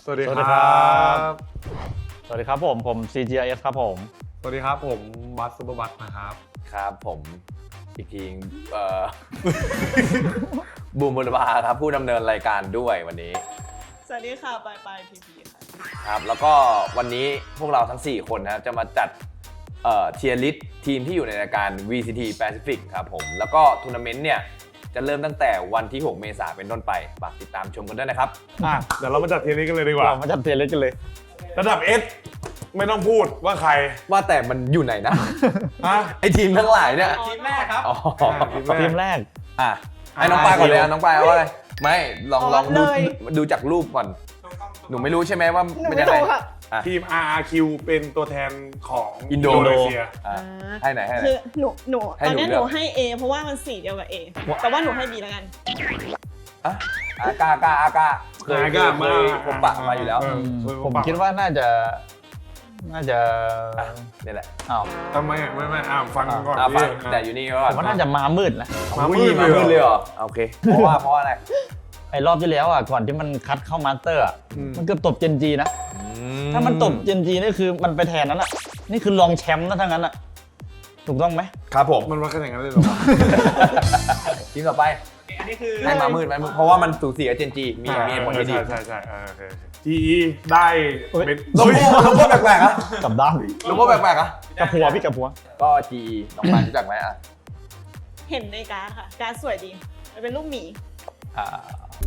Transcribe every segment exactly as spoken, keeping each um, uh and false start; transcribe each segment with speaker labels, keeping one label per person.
Speaker 1: สวัสดีครับ
Speaker 2: สวัสดีครับผมผม ซี จี ไอ เอส ครับผม
Speaker 1: สวัสดีครับผมบัสซูเปอร์บัสนะครับ
Speaker 3: ครับผมอีกทีเอ่อ บูมบุรพาครับผู้ดำเนินรายการด้วยวันนี้
Speaker 4: สวัสดีค่ะปายปายพีพีค่ะ
Speaker 3: ครับแล้วก็วันนี้พวกเราทั้งสี่คนนะครับจะมาจัดเอ่อเทียร์ลิสต์ทีมที่อยู่ในรายการ วี ซี ที Pacific ครับผมแล้วก็ทัวร์นาเมนต์เนี่ยจะเริ่มตั้งแต่วันที่หกเมษายนเป็นต้นไปฝากติดตามชมกันด้วยนะครับ
Speaker 1: อ่ะเดี๋ยวเรามาจัดทีมนี้กันเลยดีกว่า
Speaker 2: เรามาจัดเทียร์ลิสต์กันเลย
Speaker 1: ระดับ S ไม่ต้องพูดว่าใคร
Speaker 3: ว่าแต่มันอยู่ไหนนะ
Speaker 1: ฮะ
Speaker 3: ไอทีมทั้งหลายเนี่ย
Speaker 4: ทีมแรกครับ
Speaker 3: อ๋อ
Speaker 2: ทีมแรก
Speaker 3: อ่ะให้น้องปายก่อนเลยอ่ะน้องปายเอาอะไรไม่ลองลองดูดูจากรูปก่อนหนูไม่รู้ใช่ไหมว่าเป็นยังไง
Speaker 1: ทีม อาร์ อาร์ คิว เป็นตัวแทนของ
Speaker 3: อินโด
Speaker 1: นีเซีย
Speaker 3: ให้ไหนให้ไหน
Speaker 4: คือหนูหนูตอนนี้หนูให้ A เพราะว่ามันสีเดียวกับ A แต่ว่าหนูให้ B แล้วกัน
Speaker 3: อ่ะอากาอากาอากาเคยเคยผมปะมาอยู่แล้ว
Speaker 2: ผมคิดว่าน่าจะน่าจะ
Speaker 3: นี่แหละ
Speaker 2: อ้าว
Speaker 1: ทำไมไม่ไม่อ่าฟังก่อน
Speaker 3: ฟังแต่อยู่นี่ก่อน
Speaker 2: ผมว่าน่าจะมามืดนะ
Speaker 1: มามืด
Speaker 3: มามืดเลยเหรอโอเคเพราะว่าเพราะอะไร
Speaker 2: ไอ้รอบที่แล้วอ่ะก่อนที่มันคัดเข้ามาสเตอร์อ่ะมันเกือบตบเจนจีนะถ้ามันตบเจนจีนี่คือมันไปแทนนั้นอ่ะนี่คือรองแชมป์นะทั้งนั้นอ่ะถูกต้องไหม
Speaker 3: ครับผม
Speaker 1: มันว่ากันอย่างนั้นเลยหรอ
Speaker 3: ทีมต่อไป
Speaker 4: อันนี้คือ
Speaker 3: ให้มามืดเพราะว่ามันสูสีกับเจนจีมีมีผลที่ดี
Speaker 1: ใช่ใช่โอเคทีได้
Speaker 3: เป็นโลโก้โลโก้แปลกๆอ่ะ
Speaker 2: กับด้าน
Speaker 3: โลโก้แปลกๆอ่ะ
Speaker 2: กับหัวพี่กับหัว
Speaker 3: ก็จีน้องปานรู้จักไหมอ่ะ
Speaker 4: เห็นในการ์ดค่ะการ์ดสวยดีมันเป็นรูปหมี
Speaker 2: อ่า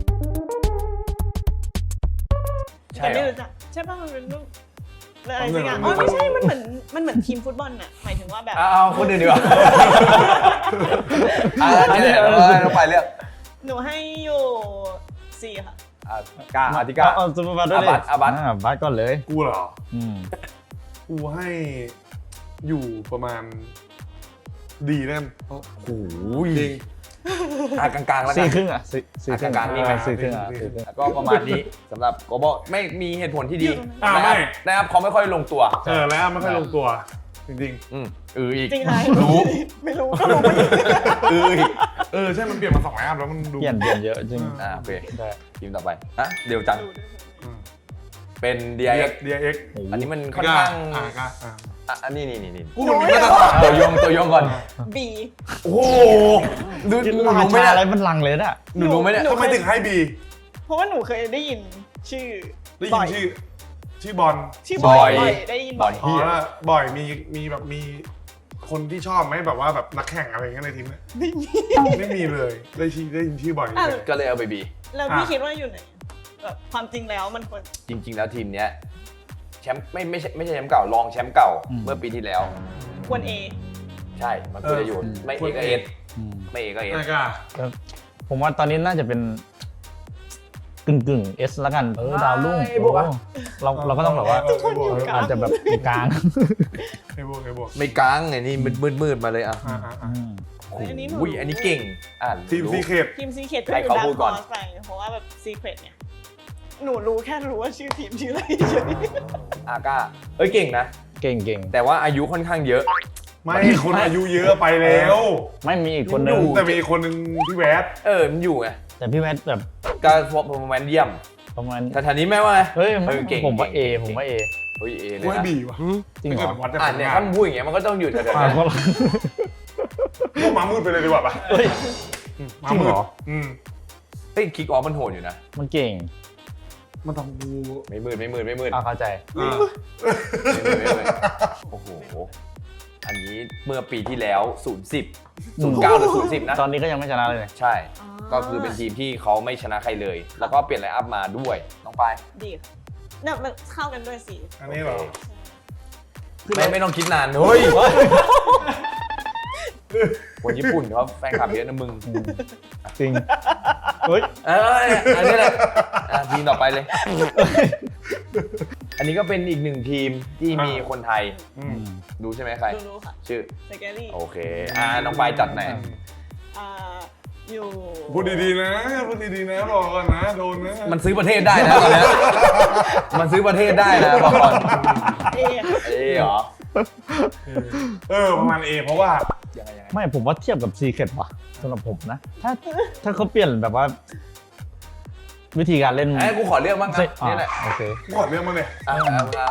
Speaker 4: แต่ไม่รู้จักใช่ป่ะมันเป็นรูปอะไรสักอย่างอ๋อไม่ใช่มันเหมือนมันเหมือนทีมฟุตบอลน่ะหมายถึงว่าแบบ
Speaker 3: เอาคนอื่นดีกว่าอันนี้เราไปเรื่อง
Speaker 4: หนูให้อยู่สี่ค่ะ
Speaker 3: กาอาติกา
Speaker 2: เอาซูเปอร์บัสด้วยดิ
Speaker 3: อาบัส
Speaker 2: อาบัสก่อนเลย
Speaker 1: กูเหรอ
Speaker 2: อืม
Speaker 1: กูให้อยู่ประมาณดีแน่นโอ้โหจริง
Speaker 3: อ่ะกลางๆแล้วกัน
Speaker 2: สี่ครึ่งอ่ะสี่ครึ่ง
Speaker 3: กลางๆนี่ไหม
Speaker 2: สี่ครึ่งอ่ะ
Speaker 3: ก็ประมาณนี้สำหรับโกโบไม่มีเหตุผลที่ดี
Speaker 1: อ่าไม่
Speaker 3: นะครับเขาไม่ค่อยลงตัว
Speaker 1: เออแล้วไม่ค่อยลงตัวจริง
Speaker 3: ๆอืมเอออีก
Speaker 4: จริงไหม
Speaker 3: รู้
Speaker 4: ไม่รู้ก็รู้ไม่
Speaker 3: เออ
Speaker 1: เออใช่มันเปลี่ยนมาสองแอปแล้วมันดู
Speaker 2: เปลี่ยนเปลี่ยนเยอะจริง
Speaker 3: อ่าโอเคทีมต่อไปฮะเดี๋ยวจังเป็น ดี ไอ เอ็กซ์
Speaker 1: ดี ไอ เอ็กซ์
Speaker 3: อันนี้มันค่อนข้าง
Speaker 1: อ่าก็
Speaker 3: อ่ะอันนี้นี่นี่นี่
Speaker 1: กูมันมีมาตรฐาน
Speaker 3: ตัวยงตัวยงก่อน
Speaker 4: B
Speaker 3: โอ้โหดู
Speaker 2: หนูไม่ได้อะไรมันลังเลยน่ะ
Speaker 3: หนูรู้ไหมเนี่ย
Speaker 1: ทำไมถึงให้ B
Speaker 4: เพราะว่าหนูเคยได้ยินชื่อ
Speaker 1: ได้ยินชื่อชื่อบอล
Speaker 4: ชื่อบอยได้ยินบ่อย
Speaker 1: อ๋อบ่อยมีมีแบบมีคนที่ชอบไหมแบบว่าแบบนักแข่งอะไรเงี้ยในทีมเนี่ย
Speaker 4: ไม่มี
Speaker 1: ไม่มีเลยได้ชื่อได้ยินชื่อบ่อย
Speaker 3: ก็เลยเอาไป B
Speaker 4: แล้วพี่คิดว่าอยู่ไหนแบบความจริงแล้วมันควร
Speaker 3: จริงๆแล้วทีมเนี้ยแชมป์ไม่ไม่ใช่ไม่ใช่แชมป์เก่ารองแชมป์เก่าเมื่อปีที่แล้ว
Speaker 4: ควร A
Speaker 3: ใช่มันควรจะอยู่ไม่ A ก็ S ไม่ A ก็ S
Speaker 2: ผมว่าตอนนี้น่าจะเป็นกึ่งกึ่ง S แล้วกันเออดาวรุ่งเราเราก็ต้องแบบว่าอาจจะแบบกลาง
Speaker 1: ไม่บวกไม่บวก
Speaker 3: ไม่กลางไงนี่มืดมืดมาเลยอ่ะ
Speaker 4: อันนี้
Speaker 3: อุ้ยอันนี้เก่งอ่ะ
Speaker 1: ทีมซีเคท
Speaker 4: ทีมซีเคทก็อยู่ด้านคอสไปเพราะว่าแบบซีเคทเนี่ยหนูรู้แค่รู้ว่าชื่อทีมชื่ออะไรเฉย
Speaker 3: อาก้าเอ้ยเก่งนะ
Speaker 2: เก่งเก่ง
Speaker 3: แต่ว่าอายุค่อนข้างเยอะ
Speaker 1: ไม่คนอายุเยอะไปแล้ว
Speaker 2: ไม่มีอีกคนนึง
Speaker 1: แต่มีอีกคนนึงพี่แวด
Speaker 3: เออมันอยู่ไง
Speaker 2: แต่พี่แวดแบบ
Speaker 3: ก็ประมาณเยี่ยม
Speaker 2: ประมาณ
Speaker 3: แต่ทีนี้แม่ว่า
Speaker 2: เฮ้ยผมว่า A ผมว่า A
Speaker 3: เฮ้ย A เลย
Speaker 1: นะบีว่ะ
Speaker 2: จริงเหรอ
Speaker 3: อ่านเนี่ยถ้าพูดอย่างเงี้ยมันก็ต้องอยู่แถวๆนั้น
Speaker 1: พวกมามืดไปเลยดีกว่าป่ะ
Speaker 2: เฮ้ย
Speaker 1: มามืดอืม
Speaker 3: เฮ้ยคิกออฟมันโหดอยู่นะ
Speaker 2: มันเก่ง
Speaker 1: มันทำกู
Speaker 3: ไม่มืดไม่มืดไม่มืด
Speaker 2: อ่าเข้าใจ
Speaker 3: โอ้โหอันนี้เมื่อปีที่แล้วศูนย์ สิบ ศูนย์ เก้าหรือศูนย์ สิบนะ
Speaker 2: ตอนนี้ก็ยังไม่ชนะเลย
Speaker 3: ใช่ก็คือเป็นทีมที่เขาไม่ชนะใครเลยแล้วก็เปลี่ยนไลน์อัพมาด้วยน้องปาย
Speaker 4: ดีเนี่ยมันเข้ากันด้วยสิ
Speaker 1: อันนี้เหรอ
Speaker 3: ไม่ไม่ต้องคิดนานเฮ้ยคนญี่ปุ่นเขาแฟนคลับเยอะนะมึง
Speaker 2: จริงเฮ้ย
Speaker 3: เอออันนี้แหละทีมต่อไปเลยอันนี้ก็เป็นอีกหนึ่งทีมที่มีคนไทยดูใช่ไหมใคร
Speaker 4: รู้ค่ะ
Speaker 3: ชื่อ
Speaker 4: สแกรี่
Speaker 3: โอเคอ่าน้องปายจัดไหน
Speaker 4: อ่าอยู่
Speaker 1: พูดดีๆนะพูดดีๆนะบอกก่อนนะโดนนะ
Speaker 3: มันซื้อประเทศได้นะตอนนี้มันซื้อประเทศได้นะบอกก่อน
Speaker 4: เอ
Speaker 3: เอเหรอ
Speaker 1: เออประมาณ A เพราะว่า
Speaker 2: ไม่ผมว่าเทียบกับ Secret ว่ะสำหรับผมนะถ้าถ้าเขาเปลี่ยนแบบว่าวิธีการเล่น
Speaker 3: ไอ้กูขอเลือกบ้างครับ
Speaker 2: อ่ะ
Speaker 3: นี่แหละ
Speaker 2: โอเค
Speaker 1: กูขอเรื่องมาเลย
Speaker 3: อ่ะเอาเอา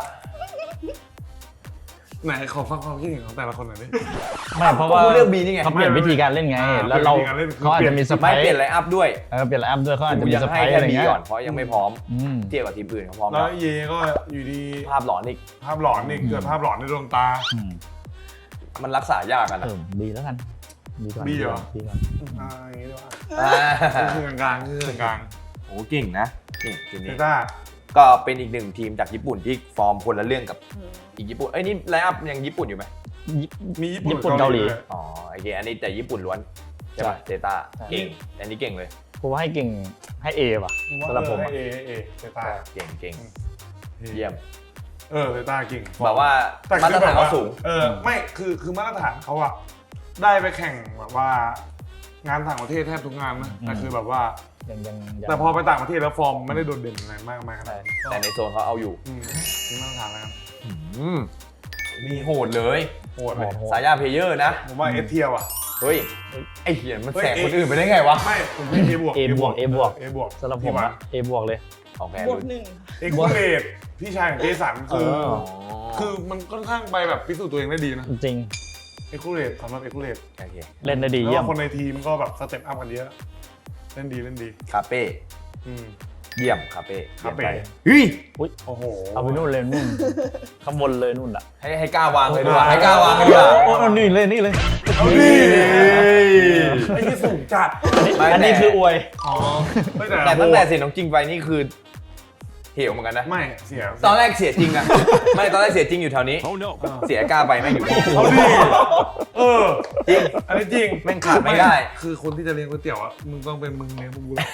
Speaker 1: ไหนขอฟังความคิดเห็นของแต่ละคนหน่อยดิ
Speaker 2: ไม่เพราะว่า
Speaker 3: กูเลือกบีนี่ไง
Speaker 2: เขาเปลี่ยนวิธีการเล่นไง
Speaker 1: อ่า
Speaker 2: แล้วเรา
Speaker 1: เปลี่ยนวิธีการเล่นคือ
Speaker 2: เขาอาจจะมีสไป
Speaker 3: ไม่
Speaker 2: ร์
Speaker 3: เปลี่ยนไลน์อัพด้วย
Speaker 2: เออเปลี่ยนไลน์อัพด้วยเขาอาจจะ
Speaker 3: กู
Speaker 2: มี
Speaker 3: ยัง
Speaker 2: สไป
Speaker 3: ให้
Speaker 2: ร์
Speaker 3: แค่
Speaker 2: อะไร
Speaker 3: บี
Speaker 2: เงี้ย
Speaker 3: ก่อนเพราะยังไม่พร้อม
Speaker 2: อืม
Speaker 3: เทียบกับทีมอื่นเขาพร้อม
Speaker 1: แล้
Speaker 3: แล้ว ว
Speaker 1: เยก็อยู่ดี
Speaker 3: ภาพหลอนอีก
Speaker 1: ภาพหลอนนี่เกิดภาพหลอนในดวงตา
Speaker 2: อืม
Speaker 3: มันรักษายากกัน
Speaker 2: เอ
Speaker 3: นะ
Speaker 2: อบีแล้วกันบีก่อน
Speaker 1: บีเหรอ
Speaker 2: บีก่อน
Speaker 1: อ่าอย่างนี้ดีกว่า
Speaker 3: อ่า
Speaker 1: คือกลางๆคือกลาง
Speaker 3: โอ้เก่งนะนี่ทีม
Speaker 1: ๆเซ
Speaker 3: นี้
Speaker 1: ต้า
Speaker 3: ก็เป็นอีกหนึ่งทีมจากญี่ปุ่นที่ฟอร์มคนละเรื่องกับ
Speaker 4: อืม
Speaker 3: อีกญี่ปุ่นเอ้ยนี่ไลน์อัพยังญี่ปุ่นอยู่ไหม
Speaker 1: มีญี่ปุ่น
Speaker 2: ญี่ปุ่นเกาหลี
Speaker 1: ด้วย
Speaker 3: อ๋อโอเคอันนี้แต่ญี่ปุ่นล้วนใช่ป่ะเซต้า
Speaker 2: ใช่
Speaker 3: เก่งอันนี้เก่งเลย
Speaker 2: ผมว่าให้เก่งให้เอว่ะ
Speaker 1: ผมว่า
Speaker 2: สำหรับผม
Speaker 1: เอ
Speaker 2: อะ
Speaker 1: อให้เอให้เอเซต้า
Speaker 3: เก่งเก่ง
Speaker 1: เยี่
Speaker 3: เยี่
Speaker 1: ย
Speaker 3: ย
Speaker 1: ม
Speaker 3: ม
Speaker 1: เออเซต้าเก่ง
Speaker 3: แบบว่า
Speaker 1: แต่
Speaker 3: มาต
Speaker 1: คื
Speaker 3: ร
Speaker 1: อแบ
Speaker 3: ฐาน
Speaker 1: บ
Speaker 3: เขา
Speaker 1: ว่า
Speaker 3: สูง
Speaker 1: เออไม่คือคือมาตรฐานเขาอะได้ไปแข่งแบบว่างานต่างประเทศแทบทุกงานนะแต่คือแบบว่า
Speaker 2: ยังยังยัง
Speaker 1: แต่พอไปต่างประเทศแล้วฟอร์มไม่ได้โดดเด่นอะไรมากมายขนาดนั้น
Speaker 3: แต่ในโซนเขาเอาอยู่
Speaker 1: อืมนี่มาตรฐานแล้วกัน
Speaker 3: อืมมีโหดเลย
Speaker 1: โหดเลย
Speaker 2: โหด
Speaker 3: สายยาเพลเยอร์นะ
Speaker 1: ผมว่าเอสเทียว่ะ
Speaker 3: เฮ้ยไอ้เหี้ยมัน
Speaker 1: เฮ้ย
Speaker 3: แสงคนอื่นไปได้ไงวะ
Speaker 1: ไม่ผมให้เอบวก
Speaker 2: A บวก A บวก
Speaker 1: เอบวก
Speaker 2: สำหรับผมอะเอบวกเลย
Speaker 3: โอเค
Speaker 4: บวกหนึ่ง
Speaker 1: เอ็กซ์เลดพี่ชายของเจสันคือ
Speaker 2: เออ
Speaker 1: คือมันค่อนข้างไปแบบพิสูจน์ตัวเองได้ดีนะ
Speaker 2: จริง
Speaker 1: เอ็กซ์เลดสำหรับเอ็กซ์เลด
Speaker 3: โอเค
Speaker 2: เล่นได้ดี
Speaker 1: แล้ว
Speaker 2: เยี่ยม
Speaker 1: ก็คนในทีมก็แบบสเต็ปอัพกันเยอะ เล่นดีเล่นดี
Speaker 3: คาเป้
Speaker 1: อืม
Speaker 3: เยี่ยมคาเป้
Speaker 1: คาเป้
Speaker 3: เฮ้ย
Speaker 1: โอ้โห
Speaker 2: เอาไปนู่นเลยนู่นข้างบนเลยนู่นอ่ะ
Speaker 3: ให้ให้กล้าวางเลยดีกว่าให้กล้าวางเลยดีกว่า
Speaker 2: โอ้เอานี่เลยนี่เลย
Speaker 1: เอาดิไอ้ที่สูงจัด
Speaker 3: ไม่
Speaker 2: อันนี้
Speaker 3: แต่
Speaker 2: คืออวย
Speaker 1: อ๋อไม่แต่
Speaker 3: แต่ตั้งแต่เสียน้องจริงไปนี่คือเหวเหมือนกันนะ
Speaker 1: ไม่เสีย
Speaker 3: ตอนแรกเสียจริงอะ ไม่ตอนแรกเสียจริงอยู่แถวนี้ เสียกล้าไปแม่งอยู่นี่
Speaker 1: เอาดิเออ
Speaker 3: จริง
Speaker 1: อันนี้จริง
Speaker 3: แม่งขาดไม่ได้
Speaker 1: คือคนที่จะเลี้ยงก๋วยเตี๋ยวอ่ะมึงต้องเป็นมึงเลี้ยงพวกกูเลย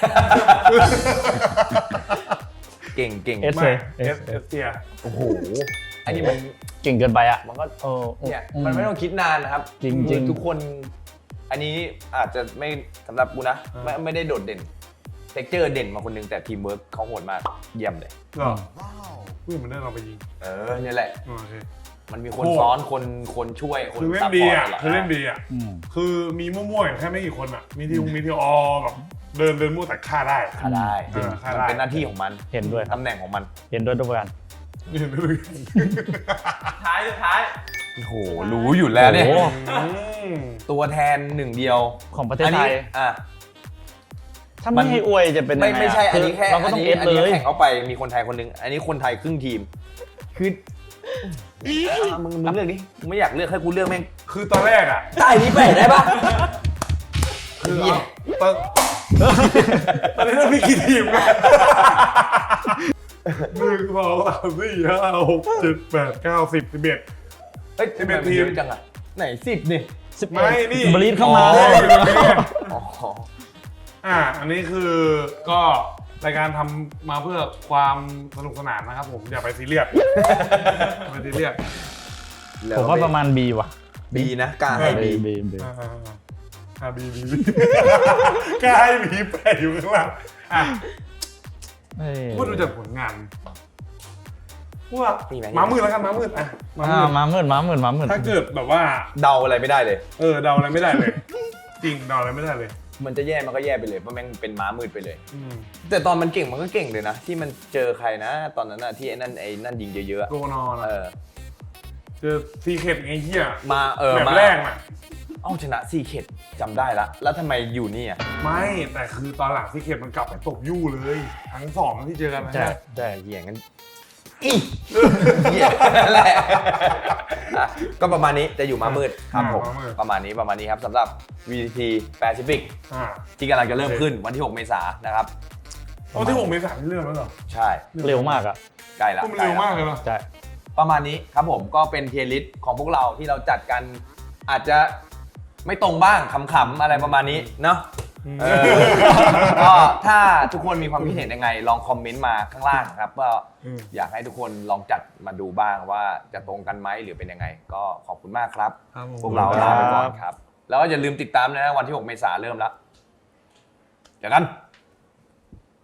Speaker 3: เก่งเก่ง
Speaker 2: เอส
Speaker 1: ไม่เอสเอสเทีย
Speaker 3: โอ้โหอันนี้มัน
Speaker 2: เก่งเกินไปอ่ะ
Speaker 3: มันก็
Speaker 2: เออ
Speaker 3: เนี่ยมันไม่ต้องคิดนานนะครับ
Speaker 2: จริงๆ
Speaker 3: คือทุกคน อันนี้อาจจะไม่สำหรับกูนะไม่ไม่ได้โดดเด่นเทคเจอร์เด่นมาคนหนึงแต่ทีมเวิร์กเขาโหดมากเยี่ยมเลย
Speaker 1: เหรออุ้ยมันได้เราไปยิง
Speaker 3: เออเนี่ยแหละ
Speaker 1: โอเค
Speaker 3: มันมีคน
Speaker 1: โหด
Speaker 3: ซ้อนคนคนช่วยคน
Speaker 1: คือเล่
Speaker 3: ซั
Speaker 1: น
Speaker 3: พ
Speaker 1: ดี
Speaker 3: พอร์ต
Speaker 1: อ่ะ
Speaker 3: ตลอด
Speaker 1: คือเล่นดีอ่ะ
Speaker 2: อืม
Speaker 1: คือมีมั่วๆอย่างแค่ไม่กี่คนอ่ะ มีทีมมีทีออแบบเดินเดินมั่วแต่ฆ่าได้
Speaker 3: ฆ่าได้
Speaker 1: เออฆ่า
Speaker 3: มัน
Speaker 1: ได้
Speaker 3: เป็นหน้าที่ของมัน
Speaker 2: เห็นด้วยครับ
Speaker 3: ตำแหน่งของมัน
Speaker 2: เห็นด้วยทุกประการ
Speaker 1: เห็นด้วย
Speaker 4: ท้ายสุดท้าย
Speaker 3: โอ้โหรู้อยู่แล้วเนี่ย
Speaker 2: โอ้โห
Speaker 1: อืม
Speaker 3: ตัวแทนหนึ่งเดียว
Speaker 2: ของประเทศไทย
Speaker 3: อ่ะ
Speaker 2: ถ้าไม่ให้อวยจะเป็นยัง
Speaker 3: ไม่
Speaker 2: ไงะ
Speaker 3: ไม่ใช่อันนี้แค่
Speaker 2: เราก็
Speaker 3: อัน
Speaker 2: ต้อง
Speaker 3: นี้
Speaker 2: เอส
Speaker 3: อัน
Speaker 2: เล
Speaker 3: นี้
Speaker 2: ย
Speaker 3: แข่งเข้าไปมีคนไทยคนหนึงอันนี้คนไทยครึ่งทีม คืออ่ะมึงมึงเลือกดิกูไม่อยากเลือกให้กูเลือกแม่ง
Speaker 1: คือตอนแรกอ่ะ
Speaker 3: ใต้นี้ไปได้ปะ
Speaker 1: คือ
Speaker 3: เหี้ย
Speaker 1: เอาตอนตอนนี้เรามีกี่ทีมกันหนึ่งสองสามสี่ห้าหกเจ็ดแปดเก้าสิบสิบเอ็ด
Speaker 3: เฮ้ย
Speaker 1: สิบ
Speaker 3: ทำ
Speaker 1: เอ็
Speaker 3: ไม
Speaker 1: ด
Speaker 3: มัน
Speaker 1: ทีม
Speaker 3: เยอะจังอ่ะไหนสิบนี่
Speaker 2: สิบ
Speaker 1: ไม่นี่
Speaker 2: บรีดเข้ามา
Speaker 1: อ๋อ
Speaker 2: เลย
Speaker 3: อ๋อ
Speaker 1: อ่า อันนี้คือก็รายการทำมาเพื่อความสนุกสนานนะครับผมอย่าไปซีเรียสอย่าไปซีเรียส
Speaker 2: ผมว่าประมาณ B ว่ะ
Speaker 3: บีนะกล้าให้
Speaker 2: B
Speaker 3: บี
Speaker 2: B B
Speaker 1: อ่าอ่าอ่าอ่าบีบีบีกล้าให้บีแปะอยู่ข้างล่างอ่ะ
Speaker 2: เอ้ย
Speaker 1: พูดดูจากผลงานว่าม้ามืดแล้วกันม้ามืดอ่ะม้า
Speaker 2: อ่า
Speaker 1: มืด
Speaker 2: มาหมื่นมาหมื่นมาหมื่น
Speaker 1: ถ้าเกิดแบบว่า
Speaker 3: เดาอะไรไม่ได้เลย
Speaker 1: เออเดาอะไรไม่ได้เลย จริงเดาอะไรไม่ได้เลย
Speaker 3: มันจะแย่มันก็แย่ไปเลยเพราะแม่งเป็นม้ามืดไปเลย
Speaker 1: อืม
Speaker 3: แต่ตอนมันเก่งมันก็เก่งเลยนะ ที่มันเจอใครนะ ตอนนั้นน่ะที่ไอ้นั่นไอ้นั่นยิงเยอะๆอะ
Speaker 1: โกนอน
Speaker 3: เอ
Speaker 1: อ่ะ
Speaker 3: อ
Speaker 1: เจอซีเคทไงเหี้ย
Speaker 3: มาเออ
Speaker 1: แบบ
Speaker 3: มา
Speaker 1: แรกน่ะ
Speaker 3: เอ้าชนะซีเข็ดจำได้ละ แล้วทำไมอยู่นี่อ่ะ
Speaker 1: ไม่แต่คือตอนหลังซีเคทมันกลับไปตบยู่เลย ทั้งสองที่เจอกันนะ
Speaker 2: ใช่
Speaker 3: ใช่เหี้ยงั้นอีเหี้ยนั่นแหละอ่ะก็ประมาณนี้จะอยู่มามืดครับผม
Speaker 1: อ่าม้ามืด
Speaker 3: ประมาณนี้ประมาณนี้ครับสำหรับ วี ที Pacific
Speaker 1: อ่า
Speaker 3: ที่กำลังจะเริ่มขึ้นวันที่หกเมษายนนะครับ
Speaker 1: เอาที่ผมเมษายนที่เรื่องแล้วเหรอ
Speaker 3: ใช่
Speaker 2: เร็วมากอ่ะ
Speaker 3: ใกล้ละ
Speaker 1: ก็มันเร็วมากเลยเนาะ
Speaker 2: ใช่
Speaker 3: ประมาณนี้ครับผมก็เป็นเทียร์ลิสต์ของพวกเราที่เราจัดกันอาจจะไม่ตรงบ้างขำๆอะไรประมาณนี้เนาะเออก็ถ้าทุกคนมีความคิดเห็นยังไง ลองคอมเมนต์มาข้างล่างครับว่า
Speaker 1: อืม
Speaker 3: อยากให้ทุกคนลองจัดมาดูบ้างว่าจะตรงกันไหมหรือเป็นยังไง ก็ขอบคุณมากครับ
Speaker 1: ครับผม
Speaker 3: พวกเราลาไปก่อนครับ แล้วก็อย่าลืมติดตามนะวันที่หกเมษายนเริ่มแล้วเจอกัน